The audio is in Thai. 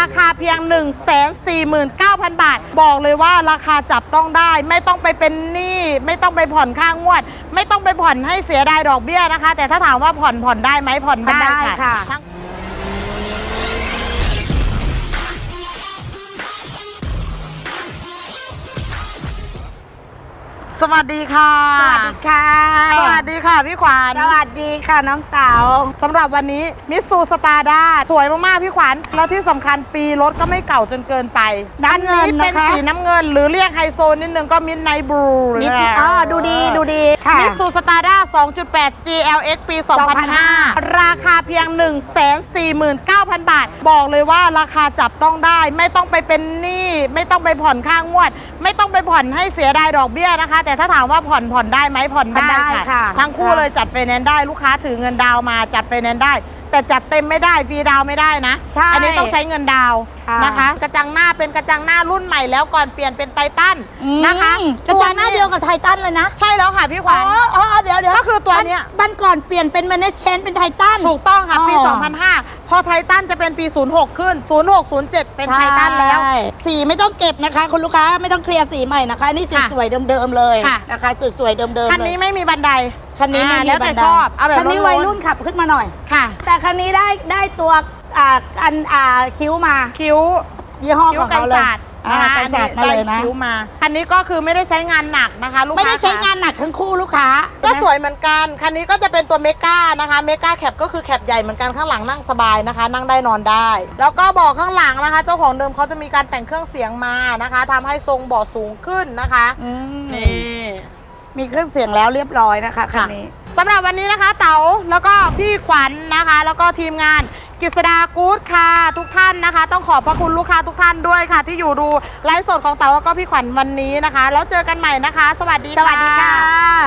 คาเพียง 149,000 บาทบอกเลยว่าราคาจับต้องได้ไม่ต้องไปเป็นหนี้ไม่ต้องไปผ่อนค่างวด ไม่ต้องไปผ่อนให้เสียดายดอกเบี้ยนะคะ แต่ถ้าถามว่าผ่อนได้ไหมผ่อนได้ค่ะสวัสดีค่ะสวัสดีค่ะสวัสดีค่ะพี่ขวัญสวัสดีค่ะน้องเต๋าสำหรับวันนี้มิตซูสตาร์ด้าสวยมากๆพี่ขวัญแล้วที่สำคัญปีรถก็ไม่เก่าจนเกินไปอันนี้เป็นสีน้ำเงินหรือเรียกไฮโซนิดนึงก็มิดไนท์บลูดูดีค่ะมิตซูสตาร์ด้า 2.8 GLX ปี 2005 ราคาเพียง 149,000 บาทบอกเลยว่าราคาจับต้องได้ไม่ต้องไปเป็นหนี้ไม่ต้องไปผ่อนค่างวด ไม่ต้องไปผ่อนให้เสียดายดอกเบี้ยนะคะแต่ถ้าถามว่าผ่อนได้ไหมผ่อนได้ค่ะทั้งคู่เลยจัดไฟแนนซ์ได้ลูกค้าถือเงินดาวมาจัดไฟแนนซ์ได้แต่จัดเต็มไม่ได้ฟรีดาวไม่ได้นะอันนี้ต้องใช้เงินดาวนะคะกระจังหน้าเป็นกระจังหน้ารุ่นใหม่แล้วก่อนเปลี่ยนเป็นไททันนะคะกระจังหน้าเดียวกับไททันเลยนะใช่แล้วค่ะพี่ขวัญเดี๋ยวก็คือตัวเนี้ยบันก่อนเปลี่ยนเป็นแมเนจเชนเป็นไททันถูกต้องค่ะปี 2005 พอไททันจะเป็นปี 06 ขึ้น 06 07 เป็นไททันแล้วสีไม่ต้องเก็บนะคะคุณลูกค้าไม่ต้องเคลียร์สีใหม่นะคะนี่สวยๆเดิมๆเลยนะคะสวยๆเดิมๆคันนี้ไม่มีบันไดคันนี้ไม่มีแล้วแต่ชอบเอาแบบคันนี้วัยรุ่นขับขึ้นมาหน่อยค่ะแต่คันนี้ได้ตัวคิ้วมาคิ้วยี่ห้อของเขาเลยกันศาสตร์มาเลยนะคิ้วมาอันนี้ก็คือไม่ได้ใช้งานหนักนะคะลูกค้าไม่ได้ใช้งานหนักทั้งคู่ลูกค้าก็สวยเหมือนกันคันนี้ก็จะเป็นตัวเมก้านะคะเมก้าแคปก็คือแคปใหญ่เหมือนกันข้างหลังนั่งสบายนะคะนั่งได้นอนได้แล้วก็เบาะข้างหลังนะคะเจ้าของเดิมเขาจะมีการแต่งเครื่องเสียงมานะคะทำให้ทรงเบาะสูงขึ้นนะคะนี่มีเครื่องเสียงแล้วเรียบร้อยนะคะคันนี้สำหรับวันนี้นะคะเต๋าแล้วก็พี่ขวัญนะคะแล้วก็ทีมงานกฤษดากู๊ดค่ะทุกท่านนะคะต้องขอบพระคุณลูกค้าทุกท่านด้วยค่ะที่อยู่ดูไลฟ์สดของเต๋าแล้วก็พี่ขวัญวันนี้นะคะแล้วเจอกันใหม่นะคะสวัสดีค่ะ